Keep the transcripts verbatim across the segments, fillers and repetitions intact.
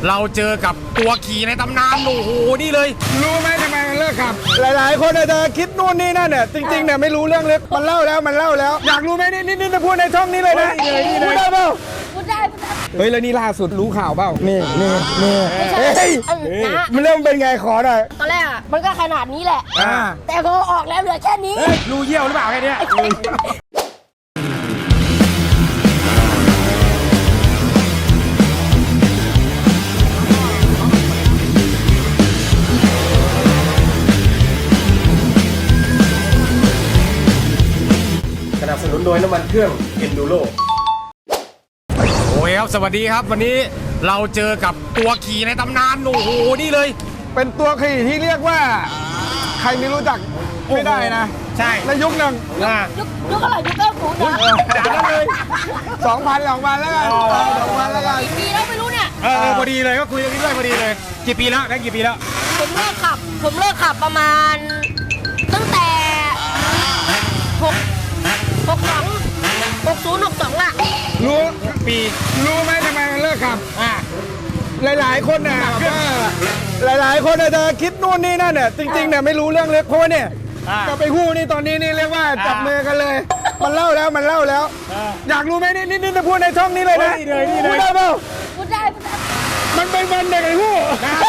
เราเจอกับตัวขี่ในตำนานโอ้โหนี่เลยรู้ไหมทำไมมันเลิกขับ หลายๆ คนอาจจะคิดนู่นนี่นั่นเนี่ยจริงๆเนี่ยไม่รู้เรื่องเลยมันเล่าแล้วมันเล่าแล้วอยากรู้ไหมนี่นี่นี่จะพูดในช่องนี้เลยนะพูดได้เปล่าพูดได้พูดได้เฮ้ยแล้วนี่ล่าสุดรู้ข่าวเปล่านี่นี่นี่เฮ้ยนะมันเริ่มเป็นไงขอหน่อยตอนแรกอ่ะมันก็ขนาดนี้แหละอ่าแต่พอออกแล้วเหลือแค่นี้รูเยี่ยวหรือเปล่าแค่เนี้ยสนับสนุนโดยน้ำมันเครื่อง Enduro โอ้ยครับสวัสดีครับวันนี้เราเจอกับตัวขี่ในตำนานโอ้โหนี่เลยเป็นตัวขี่ที่เรียกว่า ใครไม่รู้จักไม่ได้นะใช่ในยุคหนึ่งอ่ายุคยุคอะไรยุคเก้าศูนย์นะขนาดนั้นเลยสองพันสองพันแล้วกันสองพันแล้วกันกี่ปีแล้วไม่รู้เนี่ยเออพอดีเลยก็คุยกันนี้ด้วยพอดีเลยกี่ปีแล้วได้กี่ปีแล้วผมเลิกขับ ผมเลิกขับประมาณ ตั้งแต่หกหกสองหกศูนย์หกสองอะรู้ปีรู้ไหมทำไมมันเลิกขับอ่าหลายๆ คนเนี่ยว่าหลายๆ คนอาจจะคิดนู่นนี่นั่นเนี่ยจริงๆ เนี่ยไม่รู้เรื่องเลยเพราะว่าเนี่ยอ่าจะไปคู่นี่ตอนนี้นี่เรียกว่าจับมือกันเลย มันเล่าแล้วมันเล่าแล้ว อยากรู้ไหมนี่นี่นี่จะพูดในช่องนี้เลยนะนี่เลยนี่เลยพูดได้เปล่าพูดได้พูดได้มันเป็นวันเด็กไอ้คู่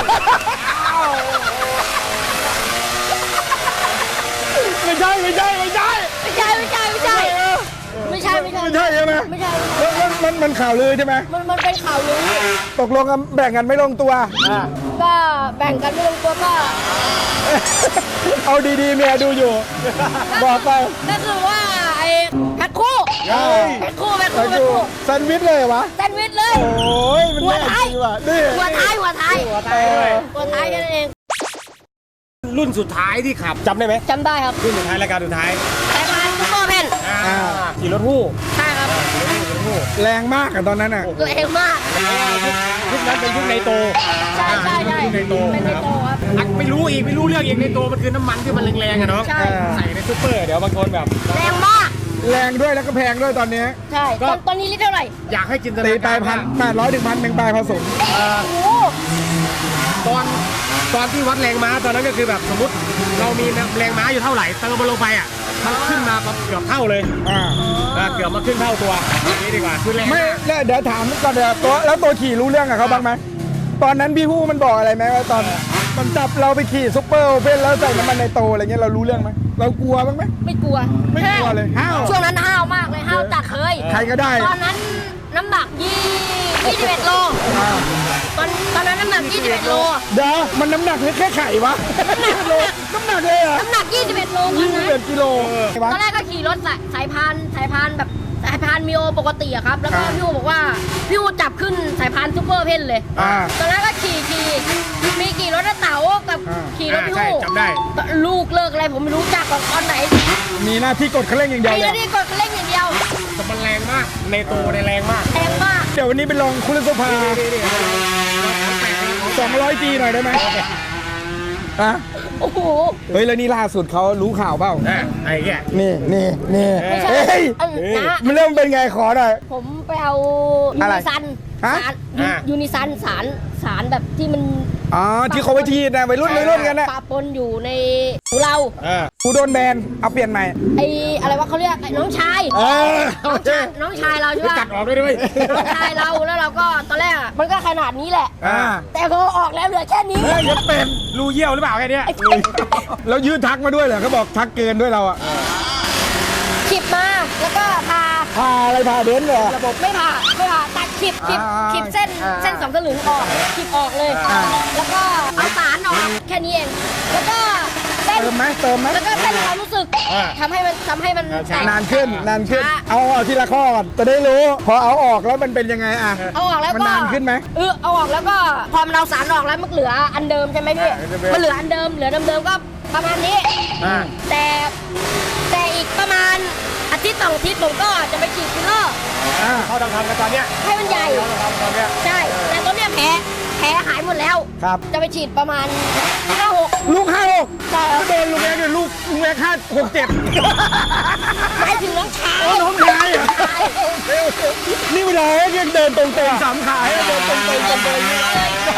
ไม่ใช่ไม่ใช่ไม่ใช่ไม่ใช่ไม่ใช่ไม่ใช่ ไม่ใช่ไม่ใช่ไม่ใช่ใช่ไหมไม่ใช่แล้วมันมันมันข่าวลือใช่ไหมมันมันเป็นข่าวลือตกลงกันแบ่งกันไม่ลงตัวก็แบ่งกันไม่ลงตัวก็เอาดีๆเมียดูอยู่ บอกไปก็คือว่าไอ้แพ็คคู่เฮ้ยแพ็คคู่แพ็คไปคู่แพ็คดูคู่แซนด์วิชเลยเหรอวะแซนด์วิชเลยโอ้ยมันหัวแน่ท้ายจริงว่ะนี่หัวท้ายหัวท้ายหัวตายด้วยหัวท้ายแค่นั้นเองรุ่นสุดท้ายที่ขับจำได้ไหมจำได้ครับรุ่นสุดท้ายรายการสุดท้ายสายพานซุปเปอร์เพนอ่าขี่รถฮู้ใช่ครับแรงมากอะตอนนั้นอะตัวเองมากยุคนั้นเป็นยุคในโตใช่ใช่ใช่ยุคในโตเป็นในโตครับอ่ะไม่รู้อีกไม่รู้เรื่องอีกในโตมันคือน้ำมันที่มันแรงๆอะเนาะใช่ใส่ในซุปเปอร์เดี๋ยวบางคนแบบแรงมากแรงด้วยแล้วก็แพงด้วยตอนนี้ใช่ตอนตอนนี้ลิตรเท่าไหร่อยากให้จินตตีนาไปการพันว่าแปดร้อยถึงพันหนึ่งปลายผสมโอ้โหตอนตอนที่วัดแรงม้าตอนนั้นก็คือแบบสมมติเรามีแรงม้าอยู่เท่าไหร่เติมมันลงไปอ่ะมันขึ้นมาเกือบเท่าเลยอ่าอ่าเกือบมาขึ้นเท่าตัวนี่ดีกว่าคือแรงไม่มากแล้วเดี๋ยวถามก่อนเดี๋ยวตัวแล้วตัวขี่รู้เรื่องกับเขาบ้างไหมตอนนั้นพี่ฮู้มันบอกอะไรไหมว่าตอนมันจับเราไปขี่ซุปเปอร์โอเพ่นแล้วใส่น้ำมันในโตอะไรเงี้ยเรารู้เรื่องไหมเรากลัวบ้างไหมไม่กลัวไม่กลัวเลยห้าวช่วงนั้นห้าวมากเลยห้าวจัดเลยใครก็ได้ตอนนั้นน้ำหนักยี่ยี่สิบเอ็ดโลอ่าตอนตอนนั้นน้ำหนักยี่สิบเอ็ดโลเดี๋ยวมันน้ำหนักหรือแค่ไข่วะโลน้ำหนักเลยเหรอน้ำหนักยี่สิบเอ็ดโลตอยี่นสิบนั้นเอ็ดกิโลตอนแรกก็ขี่รถสายสายพานสายพานแบบสายพานมิโอปกติอะครับ แล้วก็พี่อูบอกว่าพี่อูจับขึ้นสายพานซูเปอร์เพนเลยอ่าตอนแรกก็ขี่ขี่มีขี่รถเต๋ากับอ่าขี่รถอ่าพี่ใช่อูจำได้ลูกเลิกอะไรผมไม่รู้จักหรอกตอนไหนมีหน้าที่กดคันเร่งอย่างเดียวมีเลหน้าย ที่กดคันเร่งอย่างเดียวแต่มันแรงมากในโตในแรงมากแรงมากเดี๋ยววันนี้ไปลองคุริสภา สองร้อยจีหน่อยได้ไหมฮะโอ้โหเฮ้ยแล้วนี่ล่าสุดเขารู้ข่าวเปล่าอ่ะไอ้แก่นี่นี่นี่ไม่ใช่เฮ้ยเออนะมันเริ่มเป็นไงขอหน่อยผมไปเอายูอะไรนิซันฮะสารยูนิซันสารสารแบบที่มันอ๋อที่เขาไปทีนะวัยรุ่นวัยรุ่นกันนะปะปนอยู่ในหูเราอ่ากูโดนแบนเอาเปลี่ยนใหม่ไออะไรวะเขาเรียกไอ้น้องชายเออน้องชายน้องชายเราใช่ไปปะตัดออกด้วยด้วยน้องชายเราแล้วเราก็ตอนแรกอะมันก็ขนาดนี้แหละอ่าแต่พอออกแล้วเหลือแค่นี้เฮ้ยยังเป็นรูเยี่ยวหรือเปล่าแค่เนี้ยแล้วยืดทักมาด้วยเหรอเขาบอกทักเกินด้วยเราอะขิบมาแล้วก็พาพาอะไรพาเบนซ์เหรอระบบไม่ผ่าไม่ผ่าตัดขิบขิบอ่าขิบเส้นอ่าเส้นสองสลึงออกขิบออกเลยอ่าแล้วก็เอาสารออกแค่นี้เองแล้วก็เส้นเติมไหมเติมไหมแล้วก็เส้นความรู้สึกอ่าทำให้มันทำให้มันแตกนานขึ้นนานขึ้นช้เอาเอาทีละข้อก่อนจะได้รู้ พอเอาออกแล้วมันเป็นยังไงอะเอาออกแล้วมันก็นานขึ้นไหมเออเอาออกแล้วก็พอมันเอาสารออกแล้วมันเหลืออันเดิมใช่ไหมพี่อ่าอันเดิมมันเหลืออันเดิมเหลือเดิมๆก็ประมาณนี้อ่าแต่แต่อีกประมาณอาทิตย์สองอาทิตย์ผมก็จะไปฉีดฟิลเลอร์อ่าเขาทำทำกันตอนเนี้ยให้มันใหญ่เขาทำตอนเนี้ยใช่ แต่ตอนเนี้ยแผลแผลหายหมดแล้วครับจะไปฉีดประมาณห้าหกลูกห้าหกใช่ครับก็โดนลุงแอ๊กเนี่ยลูกลุงแอ๊กห้าหกเจ็ดหมายถึงน้องชายโอ้น้องชายเหรอ นี่เวลายังเดินตรงๆสามขาให้เดินตรงๆตรงๆ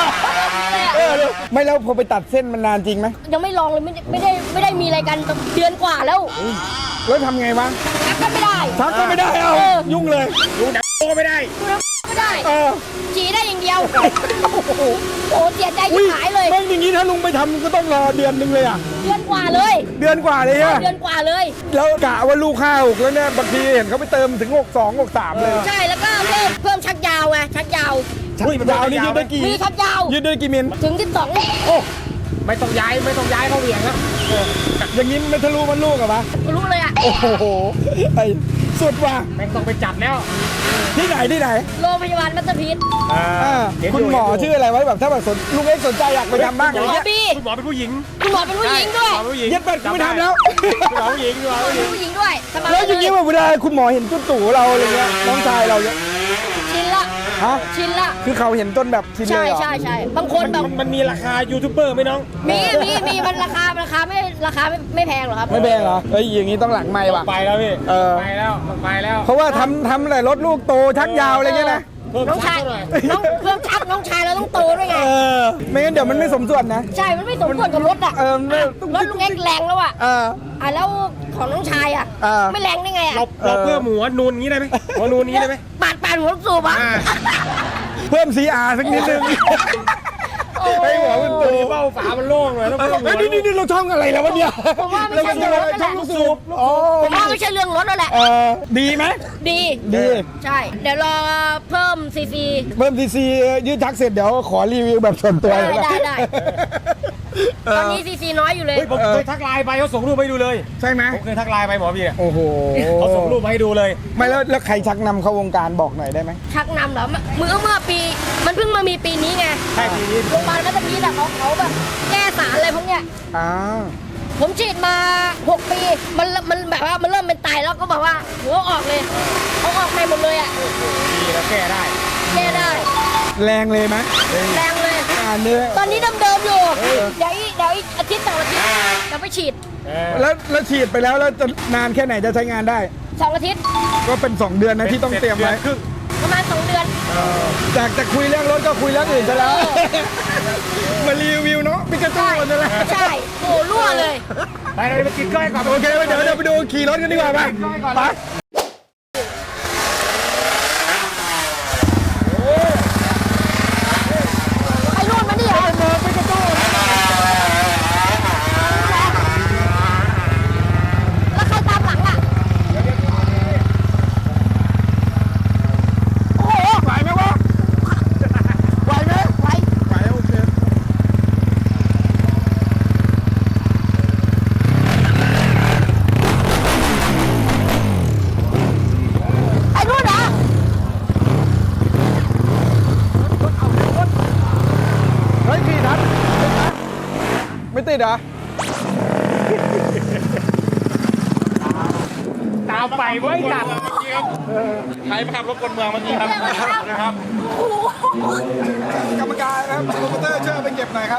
ไม่แล้วพอไปตัดเส้นมันนานจริงไหมยังไม่ลองเลยไม่ได้ไม่ได้ไม่ได้มีอะไรกันเดือนกว่าแล้วแล้วทำไงวะชักก็ไม่ได้ชักก็ไม่ได้เอาเออยุ่งเลยดูดักก็ไม่ได้ดูแล้วไม่ได้เออฉี่ได้อย่างเดียวโอ้เสียใจอุ้ที่ยหายเลยแม่งอย่างนี้ถ้าลุงไปทำก็ต้องรอเดือนหนึงเลยอ่ะเดือนกว่าเลยเดือนกว่าเลยอะเดือนกว่าเลยแล้วกะว่าลูกห้าหกแล้วเนี่ยบางทีเห็นเขาไปเติมถึงหกสองหกสามเลยใช่แล้วก็เพิ่มเพิ่มชักยาวไงชักยาวอุ้ยมันยาวนี่ยืดได้กี่มีชักยาวยืดได้กี่มิลถึงที่สองโอ้ไม่ต้องย้ายไม่ต้องย้ายเขาเหวี่ยงนะอย่างนี้มันทะลุมันลูกเหรอวะรู้เลยอ่ะโอ้โหไอ้สุดว่ะแม่งต้องไปจัดแล้วที่ไหนที่ไหนโรงพยาบาลมัตเตอร์พีทอ่าอ่าเห็นคุณยู่หมอเห็นยู่ชื่ออะไรไว้แบบถ้าแบบสนลุงเอ็กซ์สนใจอยากไปทำบ้างหมอย่างอเงี้ยบีคุณหมอเป็นผู้หญิงคุณหมอเป็นผู้หญิงด้วยคุณหมอเป็นผู้หญิงเย็ดเป็ดกูไม่ทำแล้วคุณหมอผู้หญิงคุณหมอผู้หญิงผู้หญิงด้วยสบายแล้วอย่างนี้เลแบบเวลาคุณหมอเห็นจุดตู่เราอะไรเงี้ยน้องชายเราเนี่ยชินละฮะชินละคือเขาเห็นจนแบบชินเลใช่ยเหรอใช่ใช่บางคนแบบมันมันมีราคายูทูบเบอร์ไหมน้องมีมีมีมันราคาราคาไม่ราคาไม่ไม่แพงหรอกครับไม่แพงเหรอเอ้ยอย่างนี้ต้องหลังไม้ว่ะไปแล้วพี่เออไปแล้วไปแล้วเพราะว่าทำทำอะไรรถลูกโตชักยาวอะไรเงี้ยนะเพิ่มน้องชัชาก ยเท่าไหร่น้องเพิ่มชักน้องชายเราต้องโตด้วยไงเออไม่งั้นเดี๋ยวมันไม่สมส่วนนะใช่ มันไม่สมควรกับรถอ่ะเออมันไม่รถลุงเอ็กซ์แรงแล้วอ่ะเอออ่ะแล้วของน้องชายอ่ะเออไม่แรงได้ไงอ่ะเราเราเพิ่มหัวนูนงี้ได้ไหมหัวนูนงี้ได้ไหมปาดปาดหัวสูบอ่ะอ่าเพิ่ม ซี อาร์ สักนิดนึงโอ้ให้หัวมันโตตัวนี้เบ้าฝามันโล่งเลยต้องเออเพิ่มหัเฮ้วยนี่นี่นี่เราช่องอะไรแล้ววะเนี่ยผมว่าไม่เราใช่ช่องอะไรเรื่องรถช่องลูกสูบอ๋อผมว่าไม่ใช่เรื่องรถแล้วแหละเออดีไหมดีดีใช่ เดี๋ยวรอเพิ่มซีซีเพิ่ม ซี ซี ยืดชักเสร็จเดี๋ยวขอรีวิวแบบส่วนตัวได้เลยนะได้ได้เอตออนนี้ซีซีน้อยอยู่เลยเฮ้ยผมเคยทักไลน์ไปเขาส่งรูปให้ดูเลยใช่ไหมผมเคยทักไลน์ไปหมอพี่เนี่ยโอ้โหเขาส่งรูปมาให้ดูเลยไม่แล้วแล้วใครชักนำเข้าวงการบอกหน่อยได้ไหมชักนำเหรอเมื่อเมื่อปี มันเพิ่งมามีปีนี้ไงใช่ปีนี้โรงพยาบาลมัตเตอร์พีทอะเขาเขาแบบแก้สารอะไรพวกเนี้ยอ่าผมฉีดมาหกปี มันมันแบบว่ามันเริ่มเป็นไตแล้วก็แบบว่าหัวออกเลยเขาออกไปหมดเลยอ่ะดีแล้วแก้ได้แก้ได้แรงเลยไหมแรงเลยอ่าเนี่ยตอนนี้เดิมๆอยู่ เดี๋ยวอีกเดี๋ยวอีกอาทิตย์สองอาทิตย์จะไปฉีดเออแล้วแล้วฉีดไปแล้วแล้วจะนานแค่ไหนจะใช้งานได้สองอาทิตย์ก็เป็นสองเดือนนะที่ต้องเตรียมไว้ครึ่งประมาณสองเดือนจากจะคุยเรื่องรถก็คุยเรื่องอื่นซะแล้วเออมารีวิวเนาะปิกาจูใช่กันนั่นแหละใช่โอ้รั่วเลยไปเลยไปกินก้อยก่อนโอเคเดี๋ยวเดี๋ยวไปดูขี่รถกันดีกว่าไปไปไอ้นู่นมานี่เหรอแล้วใครตามหลังอ่ะ โอ้โหไหวไหมวะไหวไหมไปไหวโอเคไอ้นู่นเหรอเฮ้ยขี่ทันไม่ติดเหรอตามไปไว้จัดใครมาขับรถกลเมืองเมื่อกี้ครับนะครับโอ้โหกรรมการนะครับโปรโมเตอร์ช่วยเอาไปเก็บหน่อยครับ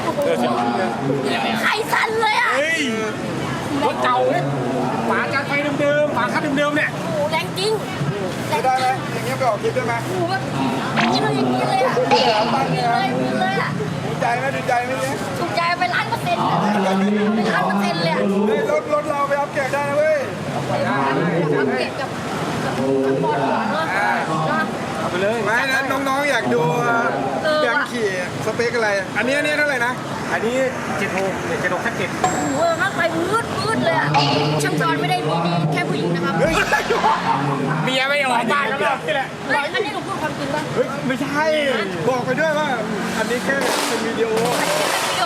ไข่สั่นเลยอ่ะเฮ้ยรถเก่าเนี่ยฝาจานไฟเดิมๆฝาคัดเดิมๆเนี่ยโอ้โหแรงจริงแรงได้จไหมริงอย่างเงี้ยไปออกคลิปได้ไหมโอ้โหแบบนี่เราอย่างนี้เลยอ่ะอย่างนี้เลยอย่างนี้เลยอ่ะดีใจไหมดีใจไหมเนี่ยถูกใจไปล้านเปอร์เซ็นต์อะไปล้านเปอร์เซ็นต์เลยอ่ะเฮ้ยรถรถเราไปอัพเกรดได้นะเว้ยสังเกตกับกับบอลหัวเนาะเนาะเอาไปเลยไม่นะน้องๆอยากดูเออแบงว่ะค์ขี่สเปคอะไร อันนี้อันนี้เท่าไหร่นะอันนี้เจ็ดโมงเนี่ยเจ็ดโมงแค่เจ็ดโอ้โหข้างไปมืดมืดเลยอ่ะช่างจอนไม่ได้มีดีแค่ผู้หญิงนะครับเฮ้ยเมียไม่ออกบ้านแล้วนี่แหละเฮ้ยอันนี้หนูพูดความจริงป่ะเฮ้ยไม่ใช่ บอกไปด้วยว่า อันนี้แค่เป็นวิดีโออันนี้